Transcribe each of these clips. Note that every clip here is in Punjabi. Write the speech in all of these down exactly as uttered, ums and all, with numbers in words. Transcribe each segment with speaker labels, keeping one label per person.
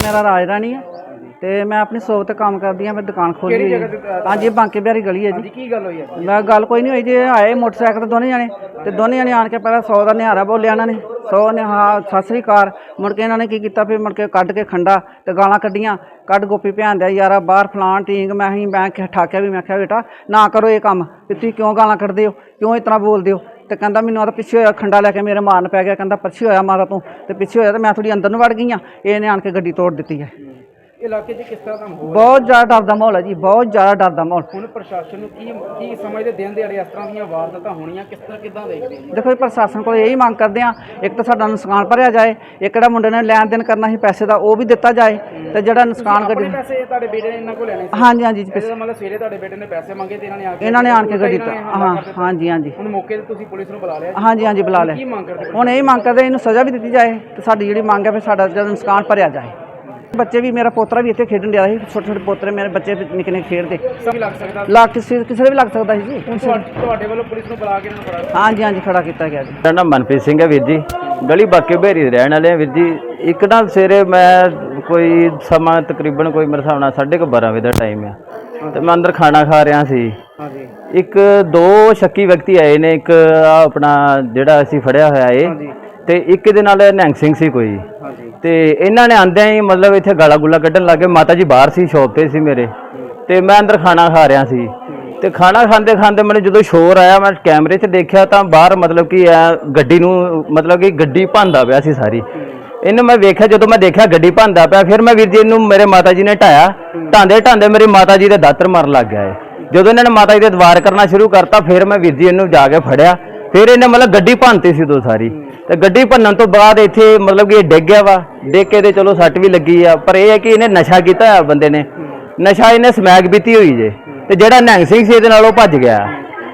Speaker 1: मेरा राज रानी है ਤੇ ਮੈਂ ਆਪਣੀ ਸੋਪ ਤੇ ਕੰਮ ਕਰਦੀ ਹਾਂ। ਮੈਂ ਦੁਕਾਨ ਖੋਲੀ ਹੋਈ ਹੈ। ਹਾਂਜੀ, ਬਾਂਕੇ ਬਿਹਾਰੀ ਗਲੀ ਹੈ ਜੀ।
Speaker 2: ਕੀ ਗੱਲ ਹੋਈ ਹੈ?
Speaker 1: ਮੈਂ ਗੱਲ ਕੋਈ ਨਹੀਂ ਹੋਈ ਜੀ। ਆਏ ਮੋਟਰਸਾਈਕਲ ਤੇ ਦੋਨੇ ਜਾਣੇ ਤੇ ਦੋਨੇ ਜਾਣੇ ਆਣ ਕੇ ਪਹਿਲਾਂ ਸੌ ਦਾ ਨਿਹਾਰਾ ਬੋਲਿਆ ਇਹਨਾਂ ਨੇ। ਸੌ ਨੇ ਹਾਂ ਸਤਿ ਸ੍ਰੀ ਅਕਾਲ। ਮੁੜ ਕੇ ਇਹਨਾਂ ਨੇ ਕੀ ਕੀਤਾ, ਫਿਰ ਮੁੜ ਕੇ ਕੱਢ ਕੇ ਖੰਡਾ ਤੇ ਗਾਲਾਂ ਕੱਢੀਆਂ। ਕੱਢ ਗੋਪੀ ਭੈਣ ਦਿਆ ਯਾਰਾ ਬਾਹਰ ਫਲਾਣ ਟੀਂਗ। ਮੈਂ ਹੀ ਮੈਂ ਠਾਕਿਆ ਵੀ, ਮੈਂ ਕਿਹਾ ਬੇਟਾ ਨਾ ਕਰੋ ਇਹ ਕੰਮ, ਵੀ ਤੁਸੀਂ ਕਿਉਂ ਗਾਲਾਂ ਕੱਢਦੇ ਹੋ, ਕਿਉਂ ਇਸ ਤਰ੍ਹਾਂ ਬੋਲਦੇ ਹੋ। ਤੇ ਕਹਿੰਦਾ ਮੈਨੂੰ ਉਹਦਾ ਪਿੱਛੇ ਹੋਇਆ, ਖੰਡਾ ਲੈ ਕੇ ਮੇਰੇ ਮਾਰਨ ਪੈ ਗਿਆ। ਕਹਿੰਦਾ ਪਿੱਛੇ ਹੋਇਆ ਮਾਰਾ ਤੂੰ, ਤੇ ਪਿੱਛੇ ਹੋਇਆ ਤੇ ਮੈਂ ਥੋੜੀ ਅੰਦਰ ਨੂੰ ਵੜ ਗਈ ਹਾਂ। ਇਹਨੇ ਆਣ ਕੇ ਗੱਡੀ ਤੋੜ ਦਿੱਤੀ ਹੈ।
Speaker 2: ਇਲਾਕੇ 'ਚ ਕਿਸ ਤਰ੍ਹਾਂ ਦਾ ਮਾਹੌਲ?
Speaker 1: ਬਹੁਤ ਜ਼ਿਆਦਾ ਡਰ ਦਾ ਮਾਹੌਲ ਹੈ ਜੀ, ਬਹੁਤ ਜ਼ਿਆਦਾ ਡਰ ਦਾ ਮਾਹੌਲ।
Speaker 2: ਹੁਣ ਪ੍ਰਸ਼ਾਸਨ ਨੂੰ ਕੀ ਕੀ ਸਮਝਦੇ ਦਿਨ ਦਿਹਾੜੇ ਇਸ ਤਰ੍ਹਾਂ ਦੀਆਂ ਵਾਰਦਾਤਾਂ ਹੋਣੀਆਂ ਕਿਸ ਤਰ੍ਹਾਂ ਕਿੱਦਾਂ ਦੇਖਦੇ ਹੋ?
Speaker 1: ਦੇਖੋ ਜੀ, ਪ੍ਰਸ਼ਾਸਨ ਕੋਲ ਇਹੀ ਮੰਗ ਕਰਦੇ ਹਾਂ, ਇੱਕ ਤਾਂ ਸਾਡਾ ਨੁਕਸਾਨ ਭਰਿਆ ਜਾਏ, ਇੱਕ ਜਿਹੜਾ ਮੁੰਡੇ ਨੇ ਲੈਣ ਦੇਣ ਕਰਨਾ ਸੀ ਪੈਸੇ ਦਾ ਉਹ ਵੀ ਦਿੱਤਾ ਜਾਏ, ਤੇ ਜਿਹੜਾ ਨੁਕਸਾਨ ਗੱਡੀ
Speaker 2: ਪੈਸੇ ਤੁਹਾਡੇ ਬੇਟੇ ਨੇ ਇਹਨਾਂ ਕੋਲ ਲੈਣੇ ਸੀ?
Speaker 1: ਹਾਂਜੀ ਹਾਂਜੀ
Speaker 2: ਮਤਲਬ ਸਵੇਰੇ ਤੁਹਾਡੇ ਬੇਟੇ ਨੇ ਪੈਸੇ ਮੰਗੇ ਤੇ ਇਹਨਾਂ ਨੇ ਆ ਕੇ
Speaker 1: ਇਹਨਾਂ ਨੇ ਆਣ ਕੇ ਗੱਡੀ ਦਿੱਤਾ। ਹਾਂ ਹਾਂਜੀ ਹਾਂਜੀ
Speaker 2: ਹੁਣ ਮੌਕੇ ਤੇ ਤੁਸੀਂ ਪੁਲਿਸ ਨੂੰ ਬੁਲਾ ਲਿਆ?
Speaker 1: ਹਾਂਜੀ ਹਾਂਜੀ ਬੁਲਾ ਲਿਆ।
Speaker 2: ਕੀ ਮੰਗ ਕਰਦੇ?
Speaker 1: ਹੁਣ ਇਹੀ ਮੰਗ ਕਰਦੇ ਇਹਨੂੰ ਸਜ਼ਾ ਵੀ ਦਿੱਤੀ ਜਾਏ, ਤੇ ਸਾਡੀ ਜਿਹੜੀ ਮੰਗ ਹੈ ਫਿਰ ਸਾਡਾ ਜਿਹੜਾ ਨੁਕਸਾਨ ਭਰਿਆ ਜਾਏ। ਬੱਚੇ ਵੀ, ਮੇਰਾ ਪੋਤਰਾ ਵੀ ਇੱਥੇ ਖੇਡਣ ਡਿਆ ਸੀ। ਛੋਟੇ ਛੋਟੇ ਪੋਤਰੇ ਮੇਰੇ ਬੱਚੇ ਨਿੱਕੇ ਨਿੱਕੇ ਖੇਡਦੇ।
Speaker 2: ਸਭ ਲੱਗ ਸਕਦਾ
Speaker 1: ਲੱਗ ਕਿਸੇ ਕਿਸੇ ਦੇ ਵੀ ਲੱਗ ਸਕਦਾ ਸੀ ਜੀ।
Speaker 2: ਤੁਹਾਡੇ ਵੱਲੋਂ ਪੁਲਿਸ ਨੂੰ ਬੁਲਾ ਕੇ ਇਹਨਾਂ ਨੂੰ ਫੜਾ?
Speaker 1: ਹਾਂਜੀ ਹਾਂਜੀ ਖੜਾ ਕੀਤਾ ਗਿਆ ਜੀ।
Speaker 3: ਮੇਰਾ ਨਾਮ ਮਨਪ੍ਰੀਤ ਸਿੰਘ ਹੈ ਵੀਰ ਜੀ, ਗਲੀ ਬਾਕੇ ਬਿਹਾਰੀ ਦੇ ਰਹਿਣ ਵਾਲੇ ਆ ਵੀਰ ਜੀ। ਇੱਕ ਨਾ ਸਵੇਰੇ ਮੈਂ ਕੋਈ ਸਮਾਂ ਤਕਰੀਬਨ ਕੋਈ ਮੇਰੇ ਹਿਸਾਬ ਨਾਲ ਸਾਢੇ ਕੁ ਬਾਰਾਂ ਵਜੇ ਦਾ ਟਾਈਮ ਆ, ਤੇ ਮੈਂ ਅੰਦਰ ਖਾਣਾ ਖਾ ਰਿਹਾ ਸੀ।
Speaker 2: ਹਾਂਜੀ।
Speaker 3: ਇੱਕ ਦੋ ਸ਼ੱਕੀ ਵਿਅਕਤੀ ਆਏ ਨੇ, ਇੱਕ ਆਹ ਆਪਣਾ ਜਿਹੜਾ ਅਸੀਂ ਫੜਿਆ ਹੋਇਆ ਏ, ਤੇ ਇੱਕ ਦੇ ਨਾਲ ਨਿਹੰਗ ਸਿੰਘ ਸੀ ਕੋਈ। ਤੇ ਇਹਨਾਂ ਨੇ ਆਂਦਿਆਂ ਹੀ ਮਤਲਬ ਇੱਥੇ ਗਾਲਾ ਗੁਲਾ ਕੱਢਣ ਲੱਗੇ। ਮਾਤਾ ਜੀ ਬਾਹਰ ਸੀ, ਸ਼ੌਪ ਤੇ ਸੀ ਮੇਰੇ, ਤੇ ਮੈਂ ਅੰਦਰ ਖਾਣਾ ਖਾ ਰਿਹਾ ਸੀ। ਤੇ ਖਾਣਾ ਖਾਂਦੇ ਖਾਂਦੇ ਮੈਨੂੰ ਜਦੋਂ ਸ਼ੋਰ ਆਇਆ, ਮੈਂ ਕੈਮਰੇ 'ਚ ਦੇਖਿਆ ਤਾਂ ਬਾਹਰ ਮਤਲਬ ਕਿ ਗੱਡੀ ਨੂੰ ਮਤਲਬ ਕਿ ਗੱਡੀ ਭੰਨਦਾ ਪਿਆ ਸੀ ਸਾਰੀ। ਇਹਨੂੰ ਮੈਂ ਵੇਖਿਆ, ਜਦੋਂ ਮੈਂ ਦੇਖਿਆ ਗੱਡੀ ਭੰਨਦਾ ਪਿਆ, ਫਿਰ ਮੈਂ ਵੀਰ ਜੀ ਇਹਨੂੰ ਮੇਰੇ ਮਾਤਾ ਜੀ ਨੇ ਢਾਇਆ। ਢਾਂਦੇ ਢਾਂਦੇ ਮੇਰੀ ਮਾਤਾ ਜੀ ਦੇ ਦਾਤਰ ਮਾਰਨ ਲੱਗ ਗਿਆ ਏ। ਜਦੋਂ ਇਹਨਾਂ ਨੇ ਮਾਤਾ ਜੀ ਦੇ ਦਵਾਰ ਕਰਨਾ ਸ਼ੁਰੂ ਕਰਤਾ, ਫਿਰ ਮੈਂ ਵੀਰ ਜੀ ਇਹਨੂੰ ਜਾ ਕੇ ਫੜਿਆ। ਫਿਰ ਇਹਨੇ ਮਤਲਬ ਗੱਡੀ ਭੰਨਤੀ ਸੀ ਉਦੋਂ ਸਾਰੀ, ਤੇ ਗੱਡੀ ਭੰਨਣ ਤੋਂ ਬਾਅਦ ਇੱਥੇ ਮਤਲਬ ਕਿ ਇਹ ਡਿੱਗ ਗਿਆ ਵਾ। ਡਿੱਗ ਕੇ ਤੇ ਚਲੋ ਸੱਟ ਵੀ ਲੱਗੀ ਆ, ਪਰ ਇਹ ਹੈ ਕਿ ਇਹਨੇ ਨਸ਼ਾ ਕੀਤਾ ਹੋਇਆ ਬੰਦੇ ਨੇ। ਨਸ਼ਾ ਇਹਨੇ ਸਮੈਕ ਪੀਤੀ ਹੋਈ ਜੇ, ਤੇ ਜਿਹੜਾ ਨਿਹੰਗ ਸਿੰਘ ਸੀ ਇਹਦੇ ਨਾਲ ਉਹ ਭੱਜ ਗਿਆ।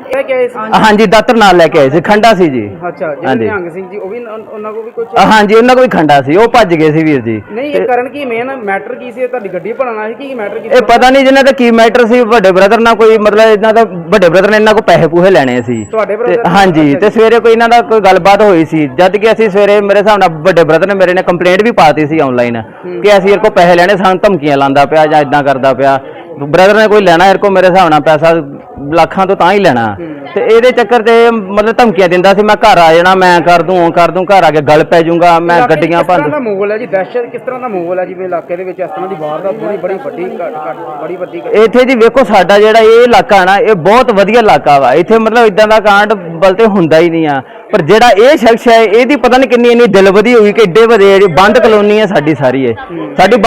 Speaker 3: ਹਾਂਜੀ, ਦਾਤਰ ਨਾਲ ਲੈ ਕੇ ਆਏ ਸੀ, ਖੰਡਾ ਸੀ ਜੀ।
Speaker 2: ਅੱਛਾ, ਜਿਹੜੇ ਨਿਹੰਗ ਸਿੰਘ ਜੀ ਉਹ ਵੀ ਉਹਨਾਂ ਕੋਲ ਵੀ ਕੁਝ?
Speaker 3: ਹਾਂਜੀ, ਉਹਨਾਂ ਕੋਲ ਵੀ ਖੰਡਾ ਸੀ, ਉਹ ਭੱਜ ਗਏ ਸੀ ਵੀਰ ਜੀ।
Speaker 2: ਨਹੀਂ, ਇਹ ਕਰਨ ਕੀ ਮੇਨ ਮੈਟਰ ਕੀ ਸੀ? ਤੁਹਾਡੀ ਗੱਡੀ ਭੰਨਣਾ ਸੀ ਕੀ ਮੈਟਰ ਕੀ?
Speaker 3: ਇਹ ਪਤਾ ਨਹੀਂ ਜਿਹਨਾਂ ਦਾ ਕੀ ਮੈਟਰ ਸੀ। ਵੱਡੇ ਬ੍ਰਦਰ ਨਾਲ ਕੋਈ ਮਤਲਬ ਇਹਨਾਂ ਦਾ ਵੱਡੇ ਬ੍ਰਦਰ ਨੇ ਇਹਨਾਂ ਕੋਲ ਪੈਸੇ ਪੂਹੇ ਲੈਣੇ ਸੀ।
Speaker 2: ਤੁਹਾਡੇ ਬ੍ਰਦਰ?
Speaker 3: ਹਾਂਜੀ, ਤੇ ਸਵੇਰੇ ਕੋਈ ਇਹਨਾਂ ਦਾ ਕੋਈ ਗੱਲਬਾਤ ਹੋਈ ਸੀ, ਜਦ ਕਿ ਅਸੀਂ ਸਵੇਰੇ ਮੇਰੇ ਹਿਸਾਬ ਨਾਲ ਵੱਡੇ ਬ੍ਰਦਰ ਨੇ ਮੇਰੇ ਨੇ ਕੰਪਲੇਂਟ ਵੀ ਪਾਤੀ ਸੀ ਆਨਲਾਈਨ ਕਿ ਅਸੀਂ ਇਹ ਕੋਲ ਪੈਸੇ ਲੈਣੇ, ਸਾਨੂੰ ਧਮਕੀਆਂ ਲਾਉਂਦਾ ਪਿਆ ਜਾਂ ਇਦਾਂ ਕਰਦਾ ਪਿਆ। ਬ੍ਰਦਰ ਨੇ ਕੋਈ ਲੈਣਾ ਇਹ ਕੋਲ ਮੇਰੇ ਹਿਸਾਬ ਨਾਲ ਪੈਸਾ ਲੱਖਾਂ ਤੋਂ ਤਾਂ ਹੀ ਲੈਣਾ, ਤੇ ਇਹਦੇ ਚੱਕਰ ਤੇ ਮਤਲਬ ਧਮਕੀਆਂ ਦਿੰਦਾ ਸੀ, ਮੈਂ ਘਰ ਆ ਜਾਣਾ, ਮੈਂ ਕਰ ਦੂੰ ਉਹ ਕਰ ਦੂੰ, ਘਰ ਆ ਕੇ ਗੱਲ ਪੈ ਜਾਊਗਾ, ਮੈਂ ਗੱਡੀਆਂ ਭੰਨ।
Speaker 2: ਕਿਸ ਤਰ੍ਹਾਂ ਦਾ ਮਾਹੌਲ ਹੈ ਜੀ? ਦਹਿਸ਼ਤ ਕਿਸ ਤਰ੍ਹਾਂ ਦਾ ਮਾਹੌਲ ਹੈ ਜਿਵੇਂ ਇਲਾਕੇ ਦੇ ਵਿੱਚ ਇਸ ਤਰ੍ਹਾਂ ਦੀ ਵਾਰਦਾਤ ਬੜੀ ਬੜੀ ਵੱਡੀ ਬੜੀ ਵੱਡੀ?
Speaker 3: ਇੱਥੇ ਜੀ ਵੇਖੋ, ਸਾਡਾ ਜਿਹੜਾ ਇਹ ਇਲਾਕਾ ਨਾ, ਇਹ ਬਹੁਤ ਵਧੀਆ ਇਲਾਕਾ ਵਾ। ਇੱਥੇ ਮਤਲਬ ਇਦਾਂ ਦਾ ਕਾਂਡ ਬਲਤੇ ਹੁੰਦਾ ਹੀ ਨਹੀਂ ਆ, ਪਰ ਜਿਹੜਾ ਇਹ ਸ਼ਖਸ ਹੈ ਇਹਦੀ ਪਤਾ ਨਹੀਂ ਕਿੰਨੀ ਇੰਨੀ ਦਿਲ ਵਧੀ ਹੋਈ ਕਿ ਏਡੇ ਵੱਡੇ ਬੰਦ ਕਲੋਨੀ ਹੈ ਸਾਡੀ ਸਾਰੀ। ਇਹ ਸਾਡੀ